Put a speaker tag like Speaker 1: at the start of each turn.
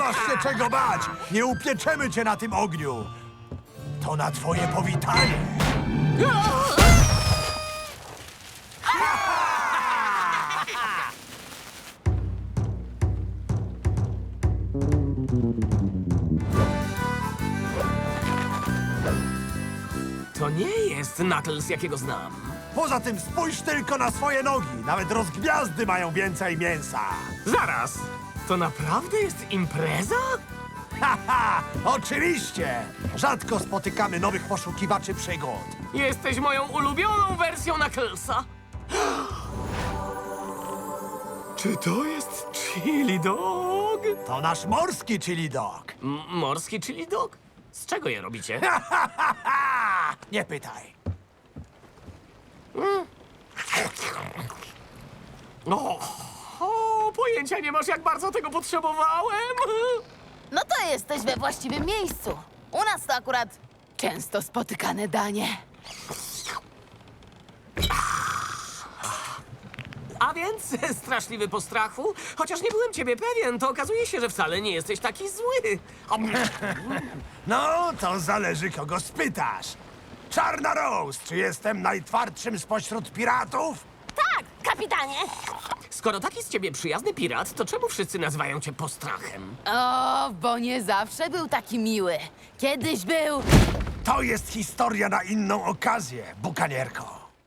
Speaker 1: masz się czego bać! Nie upieczemy cię na tym ogniu! To na twoje powitanie!
Speaker 2: To nie jest Knuckles, jakiego znam.
Speaker 1: Poza tym spójrz tylko na swoje nogi! Nawet rozgwiazdy mają więcej mięsa!
Speaker 2: Zaraz! To naprawdę jest impreza?
Speaker 1: Haha! Oczywiście! Rzadko spotykamy nowych poszukiwaczy przygód.
Speaker 2: Jesteś moją ulubioną wersją Knucklesa. Czy to jest chili dog?
Speaker 1: To nasz morski chili dog.
Speaker 2: Morski chili dog? Z czego je robicie?
Speaker 1: Nie pytaj.
Speaker 2: Pojęcia nie masz, jak bardzo tego potrzebowałem.
Speaker 3: No to jesteś we właściwym miejscu. U nas to akurat często spotykane danie.
Speaker 2: A więc straszliwy po strachu? Chociaż nie byłem ciebie pewien, to okazuje się, że wcale nie jesteś taki zły.
Speaker 1: No, to zależy, kogo spytasz. Czarna Rose, czy jestem najtwardszym spośród piratów?
Speaker 3: Tak, kapitanie!
Speaker 2: Skoro taki z ciebie przyjazny pirat, to czemu wszyscy nazywają cię postrachem?
Speaker 3: O, bo nie zawsze był taki miły. Kiedyś był...
Speaker 1: To jest historia na inną okazję, bukanierko.